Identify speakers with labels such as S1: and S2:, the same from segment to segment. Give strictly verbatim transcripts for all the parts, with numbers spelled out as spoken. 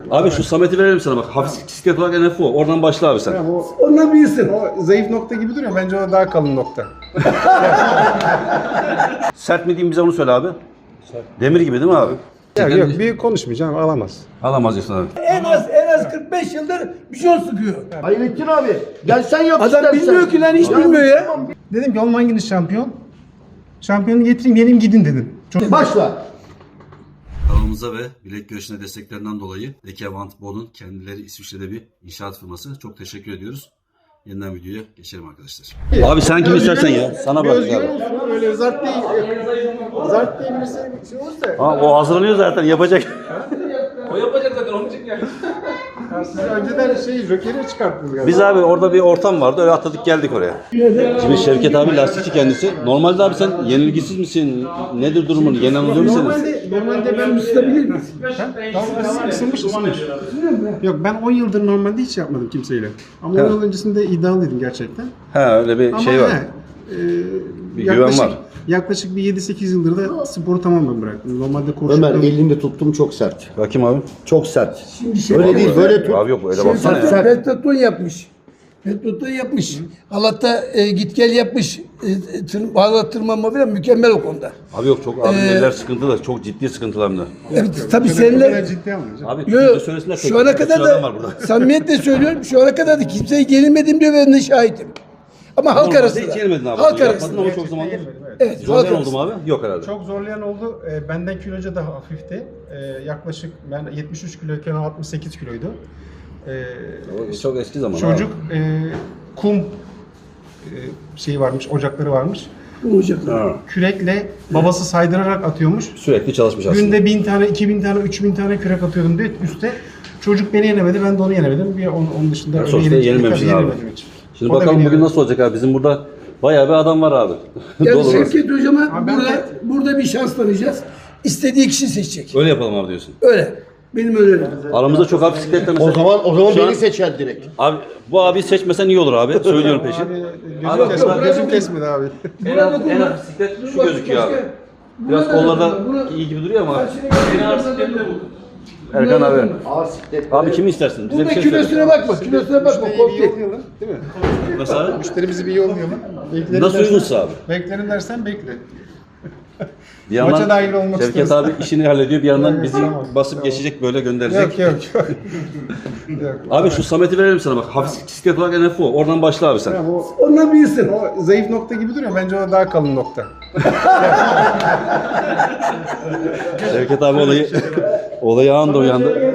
S1: Abi şu Samet'i verelim sana bak. Hafif bisiklet olarak N F O. Oradan başla abi sen.
S2: O,
S3: Ondan büyüsün.
S2: o zayıf nokta gibi duruyor. Bence o daha kalın nokta.
S1: Sert mi diyeyim bize onu söyle abi. Demir gibi değil mi abi?
S2: Ya yok, büyük konuşmayacağım, alamaz.
S1: Alamaz diyorsun abi.
S3: En az en az kırk beş yıldır bir şey sıkıyor.
S4: Hayrettin abi, gel sen yap
S3: Adam
S4: istersen.
S3: bilmiyor ki lan, hiç bilmiyor ya.
S2: Dedim ki oğlum hanginiz şampiyon? Şampiyonu getireyim, yenim gidin dedim. Çok
S4: Başla.
S1: Kanalımıza ve bilek güreşine desteklerinden dolayı Dekevant Bod'un kendileri İsviçre'de bir inşaat firması. Çok teşekkür ediyoruz. Yeniden videoya geçelim arkadaşlar. Abi sen kim istersen ya. Sana
S2: bir
S1: bak
S2: özgüven
S1: abi.
S2: olsun, öyle zart değil. Zart diye birisi şey olursa.
S1: Ha, o hazırlanıyor zaten yapacak.
S2: Ya siz önceden şey, Joker'i çıkarttınız galiba.
S1: Biz abi orada bir ortam vardı öyle atladık geldik oraya. Şimdi Şevket abi lastikçi kendisi. Normalde abi sen yenilgisiz misin? Nedir durumun? Yenen oluyor musunuz?
S2: Normalde, normalde ben
S3: Isıtabilir misin?
S2: Tamam, ısınmış, ısınmış. Yok, ben on yıldır normalde hiç yapmadım kimseyle. Ama on
S1: Evet.
S2: yıl öncesinde iddialıydım gerçekten.
S1: Ha öyle bir
S2: Ama
S1: şey var.
S2: he, e,
S1: Bir güven var.
S2: Yaklaşık bir yedi sekiz yıldır da sporu tamamen bıraktım. Normalde koşup
S4: Ömer elinde tuttum çok sert.
S1: Bakayım abi.
S4: Çok sert.
S3: Şimdi şey
S4: Öyle değil, böyle tut.
S1: Abi yok öyle
S3: Şey,
S1: baksana ya.
S4: Sen-
S3: Petlaton yapmış. Petlaton yapmış. Halatta e, git gel yapmış. E, tır, halat tırmanma falan mükemmel o konuda.
S1: Abi yok çok abi neler sıkıntılı. Çok ciddi sıkıntılar hem de.
S3: Evet, tabii
S2: Kadar
S3: seninle
S2: ciddi almayacağım.
S1: Abi
S3: yo,
S1: yo,
S3: yo,
S1: söylesinler.
S3: şu ana kadar
S1: adam var
S3: da
S1: burada.
S3: samimiyetle söylüyorum, şu ana kadar da kimseye yenilmedim diyor, ben de şahitim. Ama halk
S1: Normalde
S3: arasında.
S1: hiç yenmedin abi.
S3: Halk
S1: Yapmadın
S3: arasında.
S1: ama çok zamandır.
S3: Evet, halk
S1: Zorlayan oldu
S3: arasında.
S1: mu abi? Yok herhalde.
S2: Çok zorlayan oldu. E, benden kiloca daha hafifti. E, yaklaşık ben yetmiş üç kiloyken o altmış sekiz kiloydu. E,
S1: O çok eski zaman.
S2: çocuk
S1: abi.
S2: e, kum e, şeyi varmış, ocakları varmış.
S3: Olacak.
S1: Ha.
S2: Kürekle babası saydırarak atıyormuş.
S1: Sürekli çalışmış aslında.
S2: Günde bin tane, iki bin tane, üç bin tane kürek atıyordum diye üstte. Çocuk beni yenemedi, ben de onu yenemedim. Bir onun, onun dışında
S1: Yani
S2: öyle
S1: sonuçta
S2: yenildik,
S1: yenilmemişsin
S2: tabii
S1: abi.
S2: yenemedim hiç.
S1: Şimdi
S2: O da
S1: bakalım
S2: beni
S1: bugün
S2: yenemedi.
S1: nasıl olacak abi. Bizim burada bayağı bir adam var abi.
S3: Yani
S1: Dolu var.
S3: Şevket Hocam'a
S2: Abi ben
S3: burada,
S2: de-
S3: burada bir şans tanıyacağız. İstediği kişi seçecek.
S1: Öyle yapalım abi diyorsun.
S3: Öyle. Benim önerim.
S1: Aramızda çok abi bisikletle mesela.
S4: O zaman o zaman
S1: Şu an-
S4: beni seçer direkt.
S1: Abi bu abi seçmesen iyi olur abi. Söylüyorum peşin.
S2: Abi,
S1: Abi,
S2: gözüm, kesmedi,
S1: bırak-
S2: gözüm kesmedi abi.
S1: En az, en az bisiklet şu gözüküyor abi. Biraz kollarda iyi gibi duruyor ama. Erkan abi.
S4: Ağır siklet.
S1: Abi kimi istersin? Bize
S3: Burada
S1: bir şey söyle.
S3: kilosuna bakma, kilosuna bakma.
S2: Müşteriyi bir
S3: Korktu.
S2: yollayalım, değil mi?
S1: Nasıl abi?
S2: Müşterimizi bir yollayalım. Beklerim
S1: Nasıl
S2: dersen-
S1: uygunsa abi.
S2: Beklerim dersen bekle.
S1: Bir
S2: Maça
S1: yandan
S2: dahil olmak
S1: Şevket
S2: isteriz.
S1: abi işini hallediyor. Bir yandan bizi
S2: Tamam,
S1: basıp
S2: tamam.
S1: geçecek böyle gönderecek.
S2: Yok yok yok. yok.
S1: Abi şu Samet'i verelim sana bak. Hafif bisiklet olarak N F O. Oradan başla abi sen.
S2: Tamam, o,
S3: Ondan büyüsün.
S2: o zayıf nokta gibi duruyor. Bence o daha kalın nokta.
S1: Şevket abi olayı olayı anında uyandı.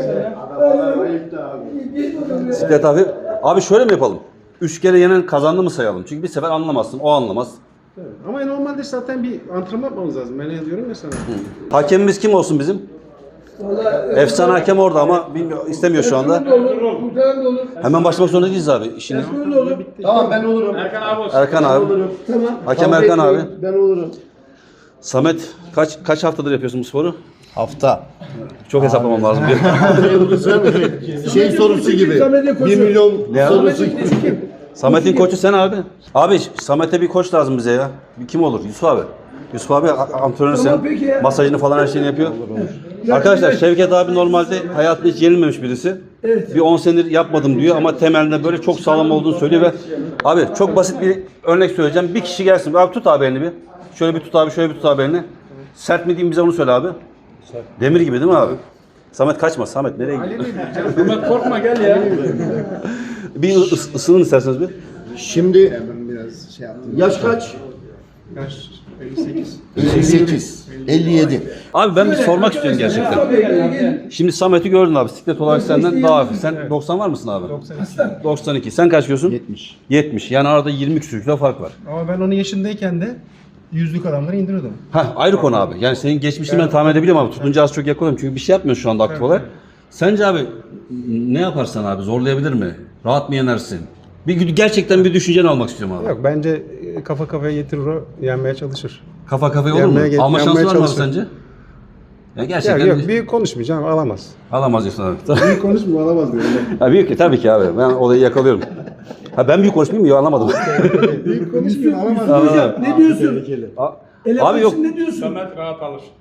S1: Bisiklet abi. Abi şöyle mi yapalım? Üç kere yenen kazandı mı sayalım? Çünkü bir sefer anlamazsın. O anlamaz.
S2: Ama normalde zaten bir antrenman yapmamız lazım. Ben ne diyorum ya sana.
S1: Hakemimiz kim olsun bizim? Efsane hakem orada ama bilmiyor, istemiyor şu anda.
S3: Kurtaran da olur, kurtaran da olur.
S1: Hemen başlamak zorunda değiliz abi. İşini.
S3: Erkan da olur.
S4: Tamam ben olurum.
S1: Erkan abi.
S3: Tamam.
S1: Hakem
S4: Kavga
S1: Erkan abi.
S4: etmeyin, Ben olurum.
S1: Samet kaç kaç haftadır yapıyorsun bu sporu?
S4: Hafta.
S1: Çok hesaplamam lazım.
S4: şey sorusu gibi.
S3: Samet'e koşu.
S4: bir milyon
S1: Ne
S4: sorusu
S3: Samet'in
S4: gibi.
S3: kim?
S1: Samet'in koçu sen abi. Abi Samet'e bir koç lazım bize ya. Bir kim olur? Yusuf abi. Yusuf abi a- antrenör
S3: Tamam,
S1: sen.
S3: peki ya.
S1: Masajını falan her şeyini yapıyor. Arkadaşlar Şevket abi normalde hayatında hiç yenilmemiş birisi.
S3: Evet.
S1: Bir on senedir yapmadım diyor ama temelinde böyle çok sağlam olduğunu söylüyor ve abi çok basit bir örnek söyleyeceğim. Bir kişi gelsin. Abi tut abi elini bir. Şöyle bir tut abi, şöyle bir tut abi elini. Sert mi diyeyim bize onu söyle abi. Demir gibi değil mi abi? Samet kaçma. Samet nereye gidiyor?
S5: Samet korkma gel ya.
S1: Bir ıs- ısının isterseniz bir.
S4: Şimdi
S2: Ben biraz şey yaptım.
S4: yaş kaç?
S2: Yaş elli sekiz.
S4: elli sekiz. elli yedi.
S1: Abi ben bir sormak istiyorum gerçekten. Şimdi Samet'i gördün abi. Bisiklet olarak senden daha hafif. Sen doksan var mısın abi? doksan iki. Sen kaç kilosun?
S2: yetmiş.
S1: yetmiş. Yani arada yirmi küsur kilo fark var.
S2: Ama ben onun yaşındayken de yüzlük adamları indiriyordum.
S1: Heh, ayrı konu abi. Yani senin geçmişini ben tahmin edebiliyorum abi. Tutunca az çok yakalıyorum. Çünkü bir şey yapmıyorsun şu anda aktif olarak. Sence abi ne yaparsan abi zorlayabilir mi? Rahat mı yenersin? Bir gerçekten bir düşünceni almak istiyorum abi.
S2: Yok bence e, kafa kafaya getirir o, yenmeye çalışır.
S1: Kafa kafaya olur mu?
S2: Yenmeye-
S1: Alma şansı
S2: yenmeye
S1: var mı abi
S2: çalışır.
S1: sence? Ya
S2: Ya
S1: gerçekten
S2: yok
S1: bir-
S2: büyük konuşmayacağım, alamaz.
S1: alamaz diyorsun abi.
S2: Büyük konuşma, alamaz diyorum.
S1: Ha, büyük ki tabii ki abi. Ben olayı yakalıyorum. Ha ben büyük konuşmayayım mı? Yok anlamadım.
S2: Büyük konuşmuyor, alamaz.
S1: Anladım.
S3: Ne diyorsun?
S1: A-
S3: Ele
S1: Abi yok.
S3: Ne diyorsun?
S5: Samet rahat alır.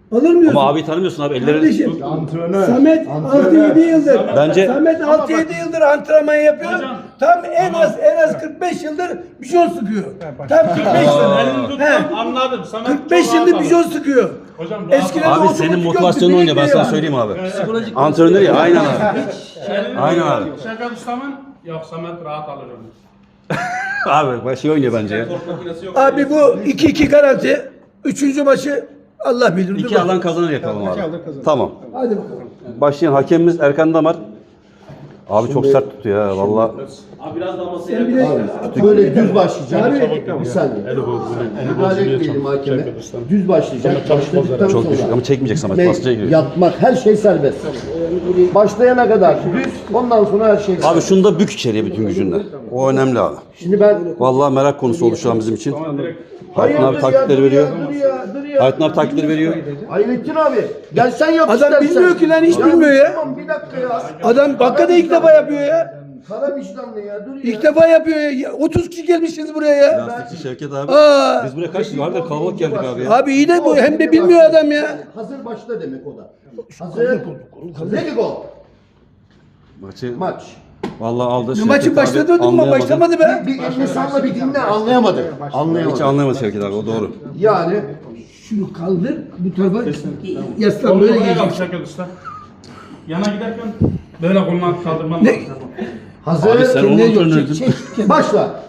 S3: Alır
S1: Ama abi tanımıyorsun abi. Elleri
S3: Kardeşim, Samet altı yedi yıldır.
S1: Bence-
S3: Samet altı yedi yıldır antrenman yapıyor. Tam en az en az kırk beş yıldır bijon sıkıyor. Tam kırk beş
S5: Elini
S3: yıldır.
S5: tut,
S3: He.
S5: anladım. Samet
S3: kırk beş
S5: çok
S3: yıldır
S5: rahat
S3: bijon
S5: alır.
S3: sıkıyor.
S5: Hocam rahat
S3: Eskiden
S5: alır.
S1: Abi
S3: otomatik
S1: senin
S3: yoktu,
S1: motivasyonun oynuyor. Ben
S3: direkt
S1: sana
S3: ya.
S1: söyleyeyim abi. Antrenör ya. Aynen abi.
S5: Elini
S1: Aynen
S5: tut.
S1: abi.
S5: Şaka tutamam. Yok Samet rahat alır onu.
S1: Abi başı şey oynuyor bence ya.
S3: Abi bu iki iki garanti. Üçüncü maçı Allah bilir. Dur
S1: İki
S3: bakalım.
S1: alan kazanır yapalım
S2: İki
S1: abi.
S2: alan kazanır.
S1: Tamam.
S3: Hadi bakalım.
S1: Başlayan hakemimiz Erkan Damar. Abi çok sert tutuyor ya valla.
S3: Sen bir de
S4: Böyle düz başlayacak.
S3: Abi-
S4: Bir saniye. Müdahale etmeyelim hakeme. Düz başlayacak. Başladıktan
S1: Çok
S4: sonra.
S1: düşük ama çekmeyecek Samet.
S4: Ve
S1: Basınca giriyor.
S4: yatmak her şey serbest. Başlayana kadar düz, ondan sonra her şey
S1: Abi
S4: serbest.
S1: şunu da bük içeriye bütün gücünle. O önemli abi.
S4: Şimdi ben
S1: Vallahi merak konusu oldu şu an bizim için. Hayrettin abi
S4: Hayırdır ya,
S1: taktikleri
S4: dur
S1: veriyor.
S4: ya, dur ya, dur ya.
S1: Hayrettin abi taktikleri veriyor.
S4: Hayrettin abi, gel sen yap
S3: Adam
S4: istersen.
S3: bilmiyor ki lan, hiç bilmiyor ya.
S4: Tamam bir dakika ya.
S3: adam hakikaten ilk defa yapıyor ya.
S4: Kara vicdanlı ya, dur ya.
S3: İlk defa yapıyor ya. otuz kişi gelmişiz buraya ya.
S1: Lastikçi Şevket abi.
S3: Aa.
S1: Biz buraya kaç kişi vardı? Kalabalık geldik abi ya.
S3: Abi iyi de bu hem de bilmiyor adam ya.
S4: Hazır başla demek o da. Hazır. Ready go.
S1: Maçı
S4: Maç.
S1: vallahi aldı. Şevket
S3: Maçın
S1: abi
S3: başladı mı?
S1: anlayamadı.
S3: Başlamadı be.
S4: Bir elini salla bir dinle anlayamadı.
S1: Hiç
S4: Anlayamadı.
S1: anlayamadı Şevket abi o doğru.
S4: Yani
S3: Şunu kaldır bu tarafa yaslan böyle
S5: Koluna
S3: gelecek.
S5: bak Şakir Usta. Yana giderken böyle koluna kaldırmam
S3: Ne?
S5: lazım.
S4: hazır.
S1: Abi sen onu
S3: Ne yok,
S1: antrenördün.
S3: çek, çek.
S4: Başla.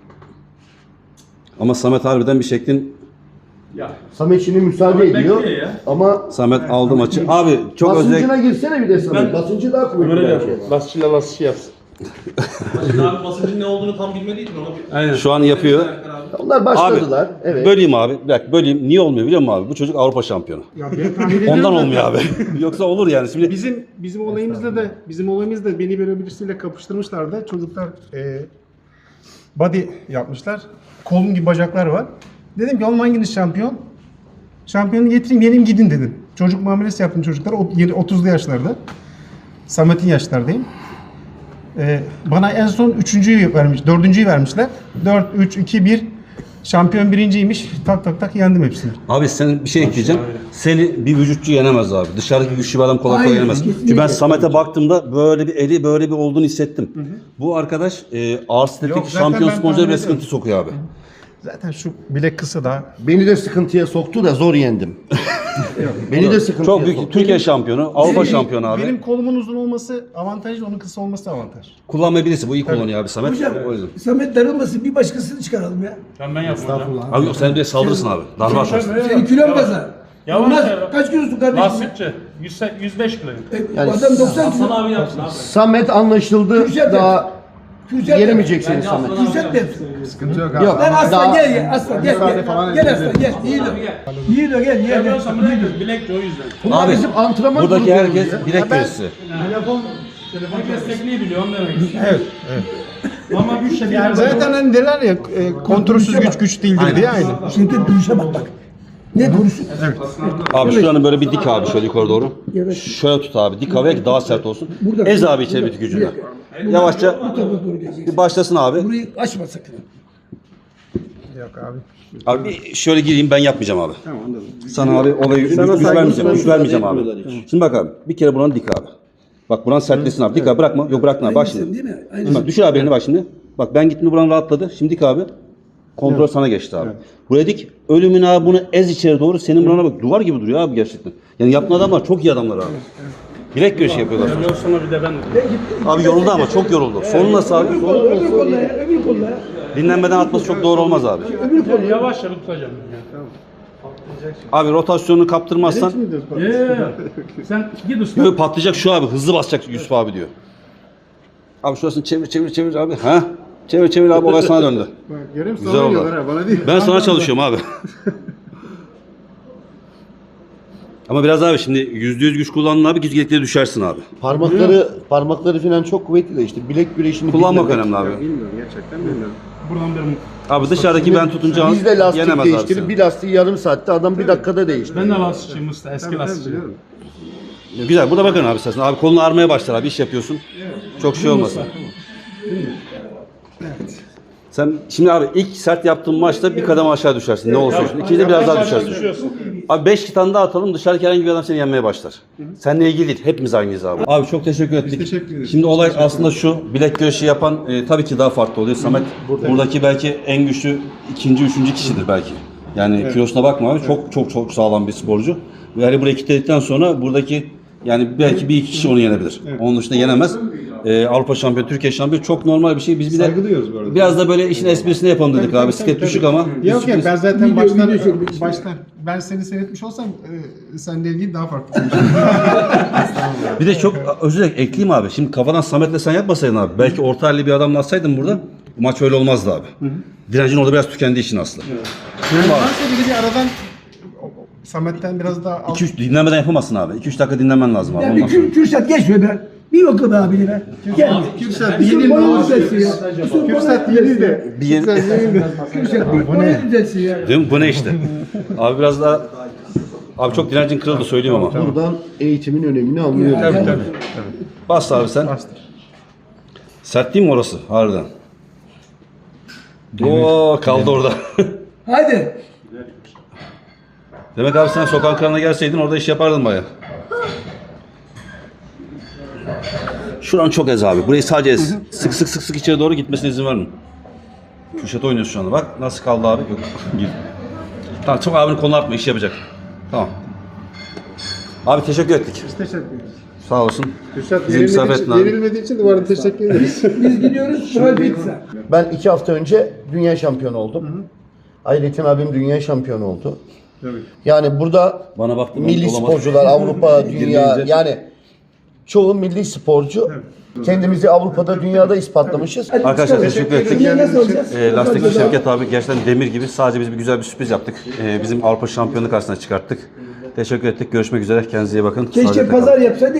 S1: Ama Samet harbiden bir şeklin.
S5: Ya.
S4: Samet şimdi müsaade
S5: Samet
S4: ediyor.
S5: bekliyor ya.
S4: Ama
S1: Samet aldı maçı. Abi çok
S4: basıncına
S1: özel.
S4: girsene bir de Samet.
S5: Ben-
S4: Basıncı daha kuvvetli
S5: Öyle
S4: bence.
S5: yap. Lasçıyla lasçı yapsın.
S6: Abi basıncın ne olduğunu tam bilmediydin ona bir...
S5: Aynen.
S1: Şu an yapıyor.
S4: Onlar başladılar.
S1: Abi
S4: Evet.
S1: böleyim abi. Bir dakika böleyim. Niye olmuyor biliyor musun abi? Bu çocuk Avrupa şampiyonu.
S2: Ya ben tahmin ediyorum
S1: Ondan
S2: zaten.
S1: olmuyor abi. Yoksa olur yani. Şimdi
S2: Bizim bizim olayımızda da bizim olayımızda beni böyle birisiyle kapıştırmışlardı. Çocuklar e, body yapmışlar. Kolum gibi bacaklar var. Dedim ki oğlum hanginiz şampiyon? Şampiyonu getireyim yenim gidin dedim. Çocuk muamelesi yaptım çocuklara. O- yeni otuzlu yaşlarda. Samet'in yaşlardayım. E, bana en son üçüncüyü vermiş, dördüncüyü vermişler. dört, üç, iki, bir. Şampiyon birinciymiş. Tak tak tak yendim hepsini.
S1: abi sen bir şey ekleyeceğim. Seni bir vücutçu yenemez abi. Dışarıdaki güçlü bir adam kolay kolay
S3: Hayır,
S1: yenemez.
S3: kesinlikle.
S1: Çünkü ben Samet'e baktığımda böyle bir eli böyle bir olduğunu hissettim. Bu arkadaş e, ağır stetlik
S2: Yok, zaten
S1: şampiyon
S2: ben
S1: sporcuları
S2: tahmin
S1: bile
S2: ediyorum.
S1: sıkıntı sokuyor abi.
S2: Zaten şu bilek kısa da.
S4: Beni de sıkıntıya soktu da zor yendim. Beni de sıkıntıya
S1: Çok büyük
S4: soktu.
S1: Türkiye şampiyonu, Avrupa
S2: Benim-
S1: şampiyonu abi.
S2: Benim kolumun uzun olması avantaj, onun kısa olması avantaj.
S1: Kullanmayabilirse bu iyi kullanıyor abi Samet.
S3: Hocam
S1: O yüzden.
S3: Samet darılmasın bir başkasını çıkaralım ya.
S5: Ben ben yapmam hocam.
S1: Abi yok sen bir de saldırırsın abi. Darbe atarsın.
S3: Senin kilon fazla.
S5: Yavaş
S3: Olmaz.
S5: yavaş.
S3: Kaç kilosun kardeşim?
S5: Lastikçi. yüz, yüz beş kilo.
S3: E,
S4: Yani
S3: adam doksan kilo.
S6: Hasan abi yapsın abi.
S4: Samet anlaşıldı.
S3: Kürşat
S4: Daha
S3: Kürşat
S4: yenemeyecek seni
S6: Bence
S4: Samet.
S6: Aslan abi
S3: Kürşat
S6: yapsın.
S3: de.
S2: Sıkıntı yok abi.
S4: Yok.
S3: Lan aslan
S4: Daha-
S3: gel ya aslan gel gel. Gel aslan gel. Yiğit o. Yiğit o gel gel. gel.
S5: Yapıyorsam ne diyorsun? Bilekçi o yüzden.
S4: Bunlar
S1: Abi,
S4: bizim antrenman
S1: Buradaki
S4: grubumuz
S1: herkes
S4: ya.
S1: bilek güreşçisi.
S5: Herkes tekniği biliyor onu demek istiyorum. Evet. Ama güç de
S2: Yani zaten hani derler ya e, kontrolsüz güç güç değildir diye aynı.
S3: Şimdi duruşa bak bak. Ne duruşu?
S1: Abi şuranı böyle bir dik abi şöyle yukarı doğru. Şöyle tut abi dik havaya ki daha sert olsun. Ez abi içeri bir gücünle. Yavaşça
S3: Bu tarafa doğru geleceksin.
S1: bir başlasın abi.
S3: Burayı açma sakın.
S2: Yok abi.
S1: Abi bir şöyle gireyim ben yapmayacağım abi. Sana abi olayı güç, güç vermeyeceğim. Güç vermeyeceğim abi. Şimdi bak abi bir kere buranı dik abi. Bak buranı sertlesin abi. Dik abi bırakma. Yok bırakma abi. Bak şimdi.
S3: Değil mi?
S1: Şimdi
S3: Aynı.
S1: bak düşür abi elini bak şimdi. Bak ben gittim buranı rahatladı. Şimdi dik abi. Kontrol sana geçti abi. Buraya dik. Ölümün abi bunu ez içeri doğru. Senin burana bak. Duvar gibi duruyor abi gerçekten. Yani yaptığın adamlar çok iyi adamlar abi. Bilek güreşi yapıyorlar.
S5: Yok sonra bir de ben
S1: Abi yoruldu ama çok yoruldu. Sonu nasıl abi?
S3: Öbür kolla, öbür kolla ya, öbür kolla ya.
S1: Dinlenmeden atması çok doğru olmaz abi.
S5: yavaş yavaş tutacağım.
S1: Abi rotasyonunu kaptırmazsan
S5: Ya. Yeah. Sen git usta.
S1: böyle patlayacak şu abi. Hızlı basacak Yusuf abi diyor. Abi şurasını çevir çevir çevir abi. Ha? Çevir çevir abi olay sana döndü.
S2: Bak, görüyor musun?
S1: Güzel
S2: Sana
S1: oldu.
S2: diyorlar ha, bana değil.
S1: Ben sana çalışıyorum abi. Ama biraz abi şimdi yüzde yüz güç kullandın abi gizlilikleri düşersin abi.
S4: Parmakları parmakları falan çok kuvvetli de işte bilek güreşini
S1: Kullanmak
S4: bilmemek.
S1: önemli abi.
S2: Bilmiyorum gerçekten bilmiyorum.
S5: Buradan bir
S1: Abi dışarıdaki ben tutunca
S4: Biz de lastik
S1: yenemez abi
S4: değiştirip
S1: seni.
S4: bir lastiği yarım saatte adam bir dakikada değiştiriyor.
S5: ben de lastikçiyim usta. Eski lastikçiyim.
S2: Biliyorum.
S1: Güzel burada bakın abi istersen. Abi kolunu ağrımaya başlar abi iş yapıyorsun. Çok şey olmasın. Sen şimdi abi ilk sert yaptığın maçta bir kademe aşağı düşersin. Ne olursa olsun. İkinci de biraz daha düşersin.
S5: Düşüyorsun.
S1: Abi beş tane daha atalım, dışarıdaki herhangi bir adam seni yenmeye başlar. Seninle ilgili değil, hepimiz aynıyız abi. Abi çok teşekkür ettik.
S2: teşekkür ederiz.
S1: Şimdi olay aslında şu, bilek güreşi yapan e, tabii ki daha farklı oluyor. Samet buradaki belki en güçlü ikinci, üçüncü kişidir belki. Yani kilosuna bakma abi, çok çok çok sağlam bir sporcu. Ve hani burayı kilitledikten sonra buradaki yani belki bir iki kişi onu yenebilir. Onun dışında yenemez. Ee, Avrupa şampiyonu, Türkiye şampiyonu çok normal bir şey. Biz bir de
S2: Saygı duyuyoruz bu arada.
S1: biraz da böyle işin esprisini yapalım dedik abi. Siklet düşük ama.
S2: Yok ya ben zaten
S3: Video-
S2: baştan,
S3: video çekmek istiyorum.
S2: baştan ben seni seyretmiş olsam e, seninle ilgili daha farklı konuşurdum.
S1: Bir de çok özür dilerim ekleyeyim abi. Şimdi kafadan Samet'le sen yapmasaydın abi. Belki orta halli bir adamla atsaydın burada. Maç öyle olmazdı abi. Direncin orada biraz tükendiği için aslında.
S2: Yani varsa bir de bir aradan Samet'ten biraz daha al.
S1: iki üç dinlemeden yapamazsın abi. iki üç dakika dinlemen lazım abi.
S3: Ya bir
S1: Ondan sonra.
S3: Kür, Kürşat geç be ben. Bir bakın abi be. Gel.
S2: Kürsat
S3: Yusuf
S2: yenil ne
S3: bana
S2: olur.
S3: düzelsin ya. Yusuf
S2: Kürsat
S3: bana
S2: yenil
S3: düzelsin ya.
S2: de.
S1: Bir yeni-
S2: Kürsat yenil de.
S3: Kürşat bana düzelsin ya.
S1: Değil mi? Bu ne işte? Abi biraz daha... Abi çok direncin kırıldı söyleyeyim ama.
S4: Buradan eğitimin önemini anlıyoruz.
S2: Tabii tabii.
S1: Bas abi sen.
S2: Bastır.
S1: Sert değil mi orası? Harbiden. Oo kaldı orada.
S3: Hadi.
S1: Demek abi sen sokak kralına gelseydin orada iş yapardın baya. Şuran çok ez abi. Burayı sadece ez. Sık sık sık sık içeri doğru gitmesine izin verme. Kürşat oynuyorsun şu anda. Bak nasıl kaldı abi. Yok. Gir. Tamam çok abinin konu atma. İş yapacak. Tamam. Abi teşekkür ettik.
S2: Biz teşekkür ederiz.
S1: Sağ olsun.
S2: Kürsat
S1: Bizi misafir
S2: yenilmediği
S1: ettin
S2: için,
S1: abi.
S2: yenilmediği için de bu arada teşekkür ederiz.
S3: Biz gidiyoruz. Sonra pizza.
S4: Ben iki hafta önce dünya şampiyonu oldum. Ayretin abim dünya şampiyonu oldu.
S2: Tabii.
S4: Yani burada
S1: Bana baktım.
S4: milli
S1: olamaz.
S4: sporcular, Avrupa, dünya
S1: Girmeyince.
S4: yani çoğu milli sporcu. Kendimizi Avrupa'da, dünyada ispatlamışız.
S1: Arkadaşlar teşekkür ettik.
S3: Şimdi nasıl olacağız?
S1: E, lastikçi Şevket abi gerçekten demir gibi. Sadece biz bir güzel bir sürpriz yaptık. E, bizim Avrupa şampiyonu karşısına çıkarttık. Teşekkür ettik. Görüşmek üzere. Kendinize iyi bakın.
S3: Keşke
S1: Sağlıcakla kalın.
S3: pazar yapsaydık.